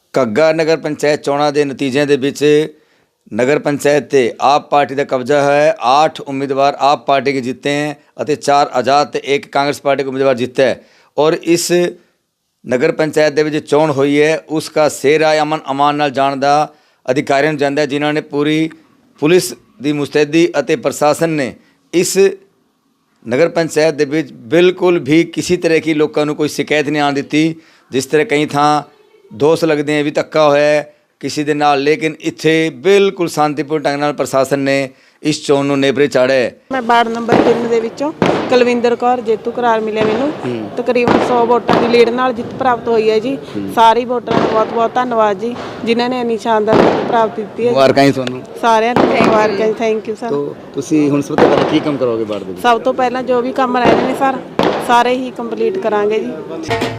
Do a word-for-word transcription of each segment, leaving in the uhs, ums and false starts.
ਘੱਗਾ ਨਗਰ ਪੰਚਾਇਤ ਚੋਣਾਂ ਦੇ ਨਤੀਜਿਆਂ ਦੇ ਵਿੱਚ नगर पंचायत ते आप पार्टी का कब्जा है। आठ उम्मीदवार आप पार्टी के जीते हैं और चार आज़ाद ते एक कांग्रेस पार्टी का उम्मीदवार जीता है। और इस नगर पंचायत दे विच चोण हुई है उसका सेहरा अमन अमान नाल जाण दा अधिकारियों नूं जांदा है, जिन्हां ने पूरी पुलिस की मुस्तैदी और प्रशासन ने इस नगर पंचायत दे विच बिल्कुल भी किसी तरह की लोगों को कोई शिकायत नहीं आने दी। जिस तरह कई थां दोष लगते हैं भी धक्का होया है किसी दे नाल, लेकिन इत्थे बिल्कुल शांतिपूर्ण ढंग नाल प्रशासन ने इस चोण नूं नेबरे चाढ़िया है। मैं वार्ड नंबर तीन दे विचों कुलविंदर कौर जेतू करार मिले मैनूं तकरीबन सौ वोटां की लीड नाल जित प्राप्त हुई है जी। सारे वोटरां दा बहुत बहुत धन्नवाद जी जिन्हां ने इन्नी शानदार जित प्राप्त की है। मुबारकां जी तुहानूं सारिਆਂ ਨੂੰ मुबारकां, थैंक यू सर। तो ਤੁਸੀਂ ਹੁਣ ਸਭ ਤੋਂ ਪਹਿਲਾਂ ਕੀ ਕੰਮ ਕਰੋਗੇ ਵਾਰਡ ਦੇ ਵਿੱਚ? ਸਭ ਤੋਂ ਪਹਿਲਾਂ ਜੋ ਵੀ ਕੰਮ ਰਹਿ ਰਹੇ ਨੇ ਸਰ ਸਾਰੇ ਹੀ ਕੰਪਲੀਟ ਕਰਾਂਗੇ ਜੀ।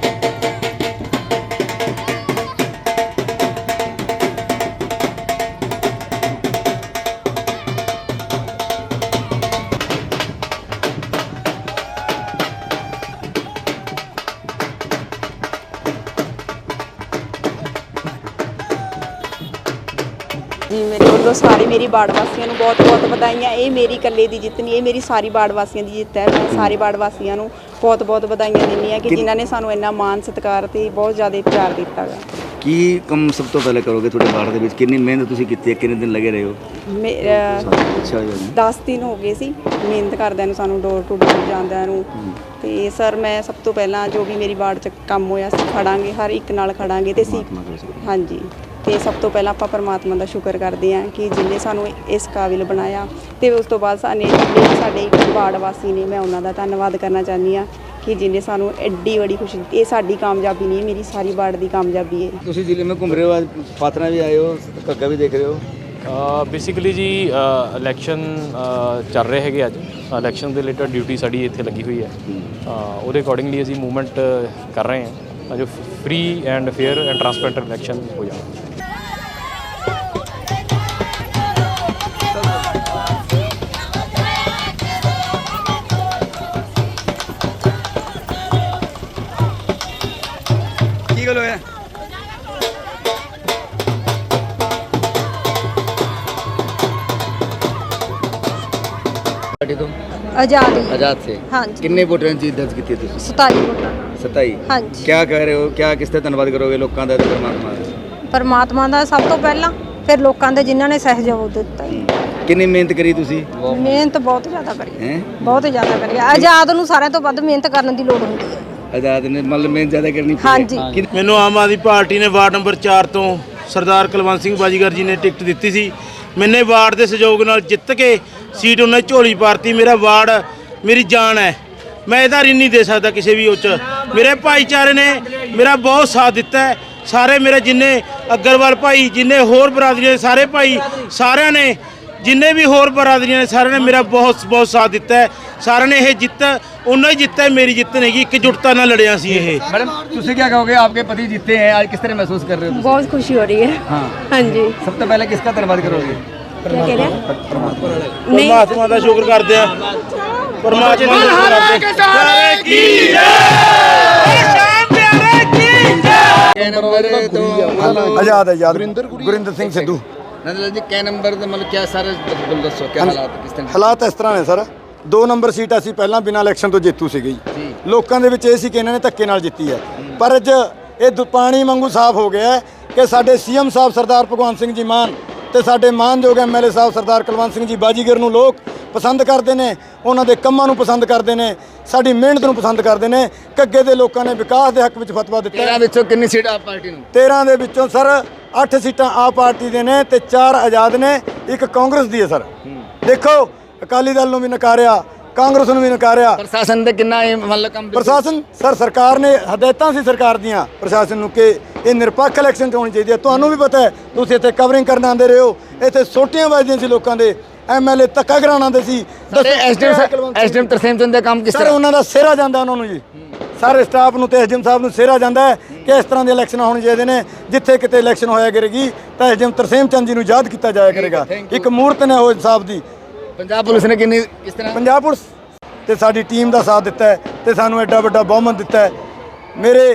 जी मेरे वालों सारी मेरी वार्ड वासियों को बहुत बहुत बधाइयां। ये मेरी कल्ले की जित नहीं, ये मेरी सारी वार्ड वासियों की जित है। मैं सारे वार्ड वासियों को बहुत बहुत बधाइयां दिंदी हाँ कि जिन्होंने सानू इन्ना मान सत्कार ते बहुत ज़्यादा प्यार दिता है। की कम सब तो पहले करोगे थोड़े वार्ड दे विच? कितनी मेहनत तुसीं कीती है, कितने दिन लगे रहे हो? मेरा दस दिन हो गए सी मेहनत करदे नूं, सानू डोर टू डोर जांदे नूं। ते सर मैं सब तो पहला जो भी मेरी वार्ड च काम होया सी खड़ांगे, हर एक नाल खड़ांगे ते सी। हाँ जी, तो सब तो पहला आप परमात्मा का शुक्र करते हैं कि जिन्हें सानू इस काबिल बनाया। तो उस तो बाद साने साडे वार्ड वासी ने मैं उन्हों का धन्नवाद करना चाहती हाँ कि जिन्हें सानू एड्डी बड़ी खुशी दी। ये साडी कामयाबी नहीं, मेरी सारी वार्ड की कामयाबी है। तुसीं जिले में घूम रहे हो, आज पात्रा भी आए हो, घग्गा भी देख रहे हो। बेसिकली जी इलैक्शन चल रहे हैं अज, इलैक्शन के रिलेटेड ड्यूटी साड़ी इत्थे लगी हुई है। वो अकॉर्डिंगली असीं मूवमेंट कर रहे हैं जो free and fair and transparent election हो जाए। की गल होया? पार्टी तो आजाद ही। आजाद से? हाँ जी। कितने वोटर जीत दर्ज की थी? सताई वोटां। सताई? हाँ जी। क्या कह रहे हो, क्या किस तरह धन्यवाद करोगे लोगों का, परमात्मा का? परमात्मा का सब तो पहला, फिर लोगों के जिन्होंने सहयोग दिता। कितनी मेहनत करी तुसी? मेहनत बहुत ज़्यादा करी हैं? बहुत ज़्यादा करी। आजाद नूं सारिਆਂ ਤੋਂ ਵੱਧ ਮਿਹਨਤ ਕਰਨ ਦੀ ਲੋੜ ਹੁੰਦੀ ਹੈ। आजाद ने मतलब मेहनत ज़्यादा करनी पड़ी। हाँ जी। ਮੈਨੂੰ ਆਮ ਆਦਮੀ ਪਾਰਟੀ ਨੇ ਵਾਰਡ ਨੰਬਰ ਚਾਰ ਤੋਂ ਸਰਦਾਰ ਕੁਲਵੰਤ ਸਿੰਘ ਬਾਜੀਗਰ ਜੀ ਨੇ ਟਿਕਟ ਦਿੱਤੀ ਸੀ। ਮੈਨੇ ਵਾਰਡ ਦੇ ਸਹਿਯੋਗ ਨਾਲ ਜਿੱਤ ਕੇ ਸੀਟ ਉਹਨਾਂ ਝੋਲੀ ਪਾਰਤੀ। ਮੇਰਾ ਵਾਰਡ ਮੇਰੀ ਜਾਨ ਹੈ, ਮੈਂ ਇਹਦਾ ਰਿਣ ਨਹੀਂ ਦੇ ਸਕਦਾ ਕਿਸੇ ਵੀ ਉੱਚ। ਮੇਰੇ ਭਾਈਚਾਰੇ ਨੇ ਮੇਰਾ ਬਹੁਤ ਸਾਥ ਦਿੱਤਾ ਹੈ। ਸਾਰੇ ਮੇਰੇ ਜਿੰਨੇ ਅਗਰਵਾਲ ਭਾਈ, ਜਿੰਨੇ ਹੋਰ ਬਰਾਦਰੀਆਂ ਦੇ ਸਾਰੇ ਭਾਈ, ਸਾਰਿਆਂ ਨੇ ਜਿੰਨੇ ਵੀ ਹੋਰ ਬਰਾਦਰੀਆਂ ਨੇ ਸਾਰਿਆਂ ਨੇ ਮੇਰਾ ਬਹੁਤ ਬਹੁਤ ਸਾਥ ਦਿੱਤਾ ਹੈ। ਸਾਰਿਆਂ ਨੇ ਇਹ ਜਿੱਤ ਉਹਨਾਂ ਹੀ ਜਿੱਤਾ है, मेरी जित नहीं। एकजुटता ना लड़िया सी ये। मैडम तुझे क्या कहोगे, आपके पति जीते हैं, आज किस तरह महसूस कर रहे हो? बहुत खुशी हो रही है। हाँ हाँ जी। सब तो पहले किसका धन्यवाद करोगे? क्या कह रहे हैं? परमात्मा का शुक्र करते हैं, परमात्मा का शुक्र करते हैं। आजाद आजाद गुरिंदर सिंह सिद्धू। नंदलाल जी क्या नंबर मतलब क्या सारे बोल दसो क्या हालात किस तरह? ਹਾਲਾਤ ਇਸ ਤਰ੍ਹਾਂ ਨੇ ਸਰ, ਦੋ ਨੰਬਰ ਸੀਟ ਅਸੀਂ ਪਹਿਲਾਂ ਬਿਨਾਂ ਇਲੈਕਸ਼ਨ ਤੋਂ ਜੇਤੂ ਸੀਗੇ ਜੀ। ਲੋਕਾਂ ਦੇ ਵਿੱਚ ਇਹ ਸੀ ਕਿ ਇਹਨਾਂ ਨੇ ਧੱਕੇ ਨਾਲ ਜਿੱਤੀ ਹੈ, ਪਰ ਅੱਜ ਇਹ ਦੁ- ਪਾਣੀ ਵਾਂਗੂ ਸਾਫ਼ ਹੋ ਗਿਆ ਹੈ ਕਿ ਸਾਡੇ ਸੀਐਮ ਸਾਹਿਬ ਸਰਦਾਰ ਭਗਵੰਤ ਸਿੰਘ ਜੀ ਮਾਨ ਤੇ ਸਾਡੇ ਮਾਨਯੋਗ ਐਮਐਲਏ ਸਾਹਿਬ ਸਰਦਾਰ ਕੁਲਵੰਤ ਸਿੰਘ ਜੀ ਬਾਜੀਗਰ ਨੂੰ ਲੋਕ ਪਸੰਦ ਕਰਦੇ ਨੇ, ਉਹਨਾਂ ਦੇ ਕੰਮਾਂ ਨੂੰ ਪਸੰਦ ਕਰਦੇ ਨੇ, ਸਾਡੀ ਮਿਹਨਤ ਨੂੰ ਪਸੰਦ ਕਰਦੇ ਨੇ। ਘੱਗੇ ਦੇ ਲੋਕਾਂ ਨੇ ਵਿਕਾਸ ਦੇ ਹੱਕ ਵਿੱਚ ਫਤਵਾ ਦਿੱਤਾ। तेरह ਵਿੱਚੋਂ ਕਿੰਨੀ ਸੀਟ ਆਪ ਪਾਰਟੀ ਨੂੰ? ਤੇਰਾਂ ਦੇ ਵਿੱਚੋਂ ਸਰ ਅੱਠ ਸੀਟਾਂ ਆਪ ਪਾਰਟੀ ਦੇ ਨੇ ਤੇ ਚਾਰ ਆਜ਼ਾਦ ਨੇ, ਇੱਕ ਕਾਂਗਰਸ ਦੀ ਹੈ ਸਰ। ਦੇਖੋ ਅਕਾਲੀ ਦਲ ਨੂੰ ਵੀ ਨਕਾਰਿਆ, ਕਾਂਗਰਸ ਨੂੰ ਵੀ ਨਕਾਰਿਆ। ਪ੍ਰਸ਼ਾਸਨ ਦੇ ਕਿੰਨਾ ਇਹ ਮਤਲਬ ਕੰਮ? ਪ੍ਰਸ਼ਾਸਨ ਸਰ ਸਰਕਾਰ ਨੇ ਹਦਾਇਤਾਂ ਸੀ ਸਰਕਾਰ ਦੀਆਂ ਪ੍ਰਸ਼ਾਸਨ ਨੂੰ ਕਿ ਇਹ ਨਿਰਪੱਖ ਇਲੈਕਸ਼ਨ 'ਚ ਹੋਣੀ ਚਾਹੀਦੀ ਹੈ। ਤੁਹਾਨੂੰ ਵੀ ਪਤਾ ਹੈ, ਤੁਸੀਂ ਇੱਥੇ ਕਵਰਿੰਗ ਕਰਨ ਆਉਂਦੇ ਰਹੇ ਹੋ, ਇੱਥੇ ਸੋਟੀਆਂ ਵੱਜਦੀਆਂ ਸੀ ਲੋਕਾਂ ਦੇ, ਐਮਐਲਏ ਧੱਕਾ ਕਰਾਉਣ ਆਉਂਦੇ ਸੀ। ਐਸਡੀਐਮ ਐਸਡੀਐਮ ਤਰਸੇਮ ਚੰਦ ਦਾ ਕੰਮ ਕਿਸ ਸਰ ਤਰ੍ਹਾਂ? ਉਹਨਾਂ ਦਾ ਸਿਹਰਾ ਜਾਂਦਾ ਉਹਨਾਂ ਨੂੰ ਜੀ, ਸਾਰੇ ਸਟਾਫ ਨੂੰ ਤੇ ਐਸਡੀਐਮ ਸਾਹਿਬ ਨੂੰ ਸਿਹਰਾ ਜਾਂਦਾ ਹੈ ਕਿ ਇਸ ਤਰ੍ਹਾਂ ਦੇ ਇਲੈਕਸ਼ਨ ਹੋਣੇ ਚਾਹੀਦੇ ਨੇ। ਜਿੱਥੇ ਕਿਤੇ ਇਲੈਕਸ਼ਨ ਹੋਇਆ ਕਰੇਗੀ ਤਾਂ ਐਸਡੀਐਮ ਤਰਸੇਮ ਚੰਦ ਜੀ ਨੂੰ ਯਾਦ ਕੀਤਾ ਜਾਇਆ ਕਰੇਗਾ। ਇੱਕ ਮੂਰਤ ਨੇ ਉਹ ਇਨਸਾਫ ਦੀ। ਪੰਜਾਬ ਪੁਲਿਸ ਨੇ ਕਿੰਨੀ ਕਿਸ ਤਰ੍ਹਾਂ? ਪੰਜਾਬ ਪੁਲਿਸ ਤੇ ਸਾਡੀ ਟੀਮ ਦਾ ਸਾਥ ਦਿੱਤਾ ਹੈ ਤੇ ਸਾਨੂੰ ਐਡਾ ਵੱਡਾ ਬਹੁਮਤ ਦਿੱਤਾ ਹੈ। ਮੇਰੇ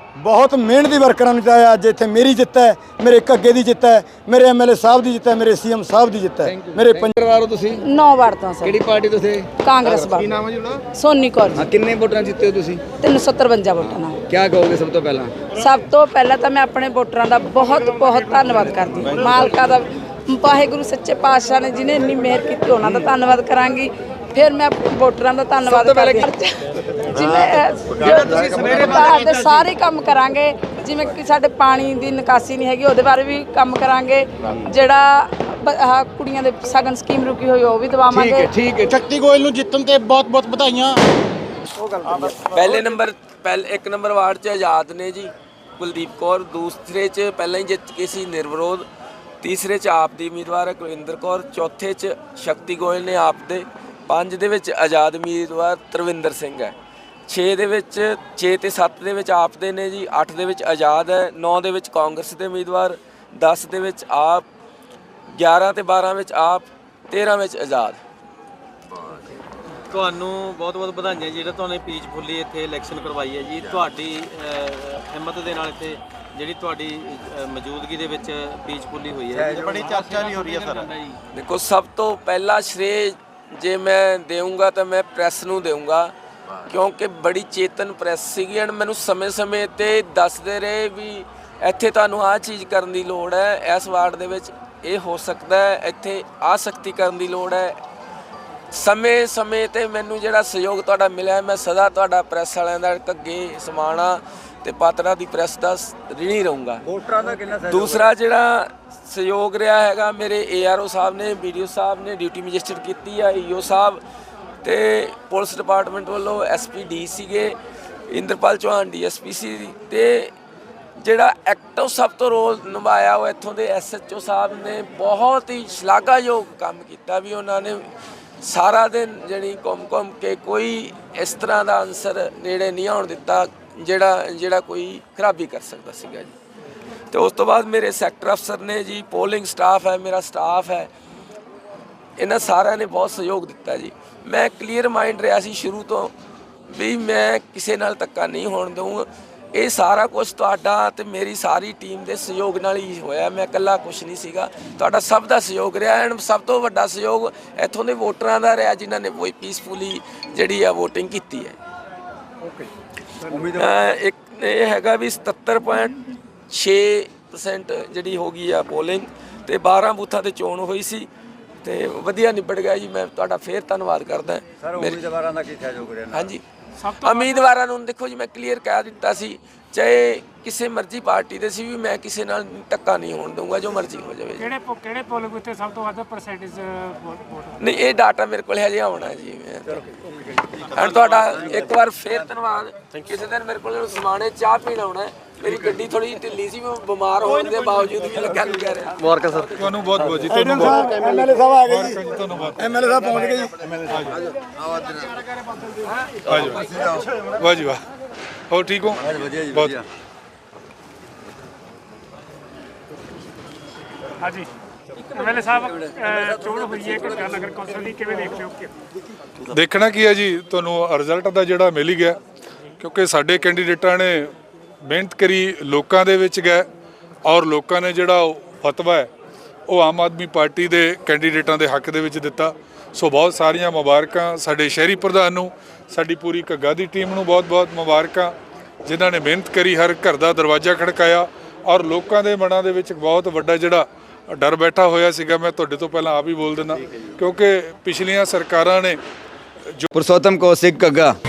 ਬਹੁਤ ਮਿਹਨਤੀ ਵਰਕਰਾਂ ਨੂੰ ਜਿਤਾਇਆ। ਅੱਜ ਇੱਥੇ ਮੇਰੀ ਜਿੱਤ ਹੈ, ਮੇਰੇ ਘੱਗੇ ਦੀ ਜਿੱਤ ਹੈ, ਮੇਰੇ ਐਮਐਲਏ ਸਾਹਿਬ ਦੀ ਜਿੱਤ ਹੈ, ਮੇਰੇ ਸੀਐਮ ਸਾਹਿਬ ਦੀ ਜਿੱਤ ਹੈ। ਮੇਰੇ ਪੰਜ ਪਰਿਵਾਰ ਹੋ ਤੁਸੀਂ ਨੌ ਵਾਰ ਤੋਂ ਸਰ ਕਿਹੜੀ ਪਾਰਟੀ ਤੋਂ ਥੇ? ਕਾਂਗਰਸ ਵਾਰ। ਕੀ ਨਾਮ ਹੈ ਜੀ? ਸੋਨੀ ਕੌਰ ਹਾਂ ਜੀ। ਕਿੰਨੇ ਵੋਟਾਂ ਜਿੱਤੇ ਹੋ ਤੁਸੀਂ? ਤਿੰਨ ਸੌ ਤਰਵੰਜਾ ਵੋਟਾਂ ਨਾਲ। ਕੀ ਕਹੋਗੇ ਸਭ ਤੋਂ ਪਹਿਲਾਂ? ਸਭ ਤੋਂ ਪਹਿਲਾਂ ਤਾਂ ਮੈਂ ਆਪਣੇ ਵੋਟਰਾਂ ਦਾ ਬਹੁਤ ਬਹੁਤ ਧੰਨਵਾਦ ਕਰਦੀ ਹਾਂ। ਮਾਲਕਾ ਦਾ, ਵਾਹਿਗੁਰੂ ਸੱਚੇ ਪਾਤਸ਼ਾਹ ਨੇ ਜਿਹਨੇ ਇੰਨੀ ਮਿਹਰ ਕੀਤੀ, ਉਹਨਾਂ ਦਾ ਧੰਨਵਾਦ ਕਰਾਂਗੀ। ਫਿਰ ਮੈਂ ਵੋਟਰਾਂ ਦਾ ਧੰਨਵਾਦ ਕਰਦੀ ਹਾਂ। ਜਿਵੇਂ ਸਰਕਾਰ ਦੇ ਸਾਰੇ ਕੰਮ ਕਰਾਂਗੇ, ਜਿਵੇਂ ਕਿ ਸਾਡੇ ਪਾਣੀ ਦੀ ਨਿਕਾਸੀ ਨਹੀਂ ਹੈਗੀ, ਉਹਦੇ ਬਾਰੇ ਵੀ ਕੰਮ ਕਰਾਂਗੇ। ਜਿਹੜਾ ਬ- ਆਹ ਕੁੜੀਆਂ ਦੇ ਸਗਨ ਸਕੀਮ ਰੁਕੀ ਹੋਈ, ਉਹ ਵੀ ਦਵਾਵਾਂਗੇ। ਠੀਕ ਹੈ। ਸ਼ਕਤੀ ਗੋਇਲ ਨੂੰ ਜਿੱਤਣ ਤੇ ਬਹੁਤ ਬਹੁਤ ਵਧਾਈਆਂ। ਪਹਿਲੇ ਨੰਬਰ ਪਹਿਲੇ ਇੱਕ ਨੰਬਰ ਵਾਰਡ 'ਚ ਆਜ਼ਾਦ ਨੇ ਜੀ ਕੁਲਦੀਪ ਕੌਰ, ਦੂਸਰੇ 'ਚ ਪਹਿਲਾਂ ਹੀ ਜਿੱਤ ਕੇ ਸੀ ਨਿਰਵਿਰੋਧ, ਤੀਸਰੇ 'ਚ ਆਪ ਦੀ ਉਮੀਦਵਾਰ ਹੈ ਕੁਲਵਿੰਦਰ ਕੌਰ, ਚੌਥੇ 'ਚ ਸ਼ਕਤੀ ਗੋਇਲ ਨੇ ਆਪ ਦੇ, ਪੰਜ ਦੇ ਵਿੱਚ ਆਜ਼ਾਦ ਉਮੀਦਵਾਰ ਤਰਵਿੰਦਰ ਸਿੰਘ ਹੈ, ਛੇ ਦੇ ਵਿੱਚ ਛੇ ਤੇ ਸੱਤ ਦੇ ਵਿੱਚ ਆਪ ਦੇ ਨੇ ਜੀ, ਅੱਠ ਦੇ ਵਿੱਚ ਆਜ਼ਾਦ ਹੈ, ਨੌ ਦੇ ਵਿੱਚ ਕਾਂਗਰਸ ਦੇ ਉਮੀਦਵਾਰ, ਦਸ ਦੇ ਵਿੱਚ ਆਪ, ਗਿਆਰਾਂ ਤੇ ਬਾਰਾਂ ਵਿੱਚ ਆਪ, ਤੇਰਾਂ ਵਿੱਚ ਆਜ਼ਾਦ। ਤੁਹਾਨੂੰ ਬਹੁਤ ਬਹੁਤ ਵਧਾਈਆਂ ਜਿਹੜਾ ਤੁਹਾਨੂੰ ਪੀਸਫੁਲੀ ਇੱਥੇ ਇਲੈਕਸ਼ਨ ਕਰਵਾਈ ਹੈ ਜੀ। ਤੁਹਾਡੀ ਹਿੰਮਤ ਦੇ ਨਾਲ ਇੱਥੇ ਜਿਹੜੀ ਤੁਹਾਡੀ ਮੌਜੂਦਗੀ ਦੇ ਵਿੱਚ ਪੀਸਫੁਲੀ ਹੋਈ ਹੈ, ਬੜੀ ਚਰਚਾ ਵੀ ਹੋ ਰਹੀ ਹੈ ਸਰ। ਦੇਖੋ ਸਭ ਤੋਂ ਪਹਿਲਾ ਸ਼੍ਰੇ ਜੇ ਮੈਂ ਦੇਵਾਂਗਾ ਤਾਂ ਮੈਂ ਪ੍ਰੈਸ ਨੂੰ ਦੇਵਾਂਗਾ, ਕਿਉਂਕਿ ਬੜੀ ਚੇਤਨ ਪ੍ਰੈਸ ਸੀਗੀ ਐਂਡ ਮੈਨੂੰ ਸਮੇਂ-ਸਮੇਂ ਤੇ ਦੱਸਦੇ ਰਹੇ ਵੀ ਇੱਥੇ ਤੁਹਾਨੂੰ ਆਹ ਚੀਜ਼ ਕਰਨ ਦੀ ਲੋੜ ਹੈ, ਇਸ ਵਾਰਡ ਦੇ ਵਿੱਚ ਇਹ ਹੋ ਸਕਦਾ ਹੈ, ਇੱਥੇ ਆਹ ਸਖਤੀ ਕਰਨ ਦੀ ਲੋੜ ਹੈ। ਸਮੇਂ-ਸਮੇਂ ਤੇ ਮੈਨੂੰ ਜਿਹੜਾ ਸਹਿਯੋਗ ਤੁਹਾਡਾ ਮਿਲਿਆ, ਮੈਂ ਸਦਾ ਤੁਹਾਡਾ ਪ੍ਰੈਸ ਵਾਲਿਆਂ ਦਾ, ਘੱਗੇ, ਸਮਾਣਾ ਤੇ ਪਾਤੜਾ ਦੀ ਪ੍ਰੈਸ ਦਾ ਰਿਣੀ ਰਹੂੰਗਾ। ਵੋਟਰਾਂ ਦਾ ਕਿੰਨਾ ਦੂਸਰਾ ਜਿਹੜਾ ਸਹਿਯੋਗ ਰਿਹਾ ਹੈਗਾ, ਮੇਰੇ ਏਆਰਓ ਸਾਹਿਬ ਨੇ, ਵੀਡੀਓ ਸਾਹਿਬ ਨੇ ਡਿਊਟੀ ਮੈਜਿਸਟਰੇਟ ਕੀਤੀ ਆ, ਈਓ ਸਾਹਿਬ ਤੇ ਪੁਲਿਸ ਡਿਪਾਰਟਮੈਂਟ ਵੱਲੋਂ ਐਸਪੀ ਡੀ ਸੀਗੇ, ਇੰਦਰਪਾਲ ਚੌਹਾਨ ਡੀਐਸਪੀ ਸੀ, ਤੇ ਜਿਹੜਾ ਐਕਟਿਵ ਸਭ ਤੋਂ ਰੋਲ ਨਿਭਾਇਆ ਉਹ ਇੱਥੋਂ ਦੇ ਐਸਐਚਓ ਸਾਹਿਬ ਨੇ ਬਹੁਤ ਹੀ ਸ਼ਲਾਘਾਯੋਗ ਕੰਮ ਕੀਤਾ ਵੀ ਉਹਨਾਂ ਨੇ ਸਾਰਾ ਦਿਨ ਜਿਹੜੀ ਘੁੰਮ ਘੁੰਮ ਕੇ ਕੋਈ ਇਸ ਤਰ੍ਹਾਂ ਦਾ ਅਨਸਰ ਨੇੜੇ ਨਹੀਂ ਆਉਣ ਦਿੱਤਾ ਜਿਹੜਾ ਜਿਹੜਾ ਕੋਈ ਖਰਾਬੀ ਕਰ ਸਕਦਾ ਸੀਗਾ ਜੀ। ਤੇ ਉਸ ਤੋਂ ਬਾਅਦ ਮੇਰੇ ਸੈਕਟਰ ਅਫਸਰ ਨੇ ਜੀ, ਪੋਲਿੰਗ ਸਟਾਫ ਹੈ, ਮੇਰਾ ਸਟਾਫ ਹੈ, ਇਹਨਾਂ ਸਾਰਿਆਂ ਨੇ ਬਹੁਤ ਸਹਿਯੋਗ ਦਿੱਤਾ ਜੀ। ਮੈਂ ਕਲੀਅਰ ਮਾਈਂਡ ਰਿਹਾ ਸੀ ਸ਼ੁਰੂ ਤੋਂ ਵੀ ਮੈਂ ਕਿਸੇ ਨਾਲ ਧੱਕਾ ਨਹੀਂ ਹੋਣ ਦਊਂਗਾ। ਇਹ ਸਾਰਾ ਕੁਝ ਤੁਹਾਡਾ ਤੇ ਮੇਰੀ ਸਾਰੀ ਟੀਮ ਦੇ ਸਹਿਯੋਗ ਨਾਲ ਹੀ ਹੋਇਆ, ਮੈਂ ਇਕੱਲਾ ਕੁਝ ਨਹੀਂ ਸੀਗਾ, ਤੁਹਾਡਾ ਸਭ ਦਾ ਸਹਿਯੋਗ ਰਿਹਾ। ਐਂਡ ਸਭ ਤੋਂ ਵੱਡਾ ਸਹਿਯੋਗ ਇੱਥੋਂ ਦੇ ਵੋਟਰਾਂ ਦਾ ਰਿਹਾ ਜਿਨ੍ਹਾਂ ਨੇ ਕੋਈ ਪੀਸਫੁਲੀ ਜਿਹੜੀ ਆ ਵੋਟਿੰਗ ਕੀਤੀ ਹੈ। ਇੱਕ ਇਹ ਹੈਗਾ ਵੀ ਸਤੱਤਰ ਪੁਆਇੰਟ ਛੇ ਪਰਸੈਂਟ ਜਿਹੜੀ ਹੋ ਗਈ ਆ ਪੋਲਿੰਗ, ਤੇ ਬਾਰਾਂ ਬੂਥਾਂ ਤੇ ਚੋਣ ਹੋਈ ਸੀ ਤੇ ਵਧੀਆ ਨਿਬੜ ਗਿਆ ਜੀ। ਮੈਂ ਤੁਹਾਡਾ ਫੇਰ ਧੰਨਵਾਦ ਕਰਦਾ ਸਰ। ਉਮੀਦਵਾਰਾਂ ਦਾ ਕੀ ਸਹਿਯੋਗ ਰਿਹਾ? ਹਾਂਜੀ, ਉਮੀਦਵਾਰਾਂ ਨੂੰ ਦੇਖੋ ਜੀ ਮੈਂ ਕਲੀਅਰ ਕਹਿ ਦਿੱਤਾ ਸੀ, ਚਾਹੇ ਕਿਸੇ ਮਰਜ਼ੀ ਪਾਰਟੀ ਦੇ ਸੀ ਵੀ ਮੈਂ ਕਿਸੇ ਨਾਲ ਧੱਕਾ ਨਹੀਂ ਹੋਣ ਦਊਂਗਾ, ਜੋ ਮਰਜ਼ੀ ਹੋ ਜਾਵੇ। ਕਿਹੜੇ ਕਿਹੜੇ ਪੋਲਿੰਗ ਬੂਥ ਤੇ ਸਭ ਤੋਂ ਵੱਧ ਪਰਸੈਂਟੇਜ ਵੋਟ? ਨਹੀਂ ਇਹ ਡਾਟਾ ਮੇਰੇ ਕੋਲ ਹਜੇ ਆਉਣਾ ਜੀ। ਮੈਂ ਤੁਹਾਡਾ ਇੱਕ ਵਾਰ ਫੇਰ ਧੰਨਵਾਦ। ਕਿਸੇ ਦਿਨ ਮੇਰੇ ਕੋਲ ਸਮਾਣੇ ਚਾਹ ਪੀਣ ਆਉਣਾ ਹੈ, ਮੇਰੀ ਗੱਡੀ ਥੋੜੀ ਢਿੱਲੀ ਸੀ, ਮੈਂ ਬਿਮਾਰ ਹੋਣ ਦੇ ਬਾਵਜੂਦ ਵੀ ਲੱਗਾ ਲੱਗਾ ਰਿਹਾ। ਮੁਬਾਰਕ ਸਰ। ਤੁਹਾਨੂੰ ਬਹੁਤ ਬਹੁਤ ਜੀ, ਤੁਹਾਨੂੰ ਬਹੁਤ ਐਮਐਲਏ ਸਾਹਿਬ ਆ ਗਏ ਜੀ, ਧੰਨਵਾਦ। ਐਮਐਲਏ ਸਾਹਿਬ ਪਹੁੰਚ ਗਏ ਜੀ। ਵਾਹ ਜੀ ਵਾਹ, ਹੋਰ ਠੀਕ ਹੋ? ਵਧੀਆ ਜੀ, ਬਹੁਤ। ਵਧੀਆ। ਹਾਂਜੀ ਐਮਐਲਏ ਸਾਹਿਬ, ਚੋਣ ਹੋਈ ਹੈ ਕਿ ਨਗਰ ਕੌਂਸਲ ਦੀ, ਕਿਵੇਂ ਦੇਖਦੇ ਹੋ? ਦੇਖਣਾ ਕੀ ਹੈ ਜੀ, ਤੁਹਾਨੂੰ ਰਿਜ਼ਲਟ ਦਾ ਜਿਹੜਾ ਮਿਲ ਹੀ ਗਿਆ, ਕਿਉਂਕਿ ਸਾਡੇ ਕੈਂਡੀਡੇਟਾਂ ਨੇ ਮਿਹਨਤ ਕਰੀ, ਲੋਕਾਂ ਦੇ ਵਿੱਚ ਗਏ ਔਰ ਲੋਕਾਂ ਨੇ ਜਿਹੜਾ ਫਤਵਾ ਹੈ ਉਹ ਆਮ ਆਦਮੀ ਪਾਰਟੀ ਦੇ ਕੈਂਡੀਡੇਟਾਂ ਦੇ ਹੱਕ ਦੇ ਵਿੱਚ ਦਿੱਤਾ। ਸੋ ਬਹੁਤ ਸਾਰੀਆਂ ਮੁਬਾਰਕਾਂ ਸਾਡੇ ਸ਼ਹਿਰੀ ਪ੍ਰਧਾਨ ਨੂੰ, ਸਾਡੀ ਪੂਰੀ ਘੱਗਾ ਦੀ ਟੀਮ ਨੂੰ ਬਹੁਤ ਬਹੁਤ ਮੁਬਾਰਕਾਂ, ਜਿਨ੍ਹਾਂ ਨੇ ਮਿਹਨਤ ਕਰੀ, ਹਰ ਘਰ ਦਾ ਦਰਵਾਜ਼ਾ ਖੜਕਾਇਆ ਔਰ ਲੋਕਾਂ ਦੇ ਮਨਾਂ ਦੇ ਵਿੱਚ ਬਹੁਤ ਵੱਡਾ ਜਿਹੜਾ ਡਰ ਬੈਠਾ ਹੋਇਆ ਸੀਗਾ। ਮੈਂ ਤੁਹਾਡੇ ਤੋਂ ਪਹਿਲਾਂ ਆਪ ਹੀ ਬੋਲ ਦਿੰਦਾ, ਕਿਉਂਕਿ ਪਿਛਲੀਆਂ ਸਰਕਾਰਾਂ ਨੇ पुरुषोत्तम कौशिक कग्गा।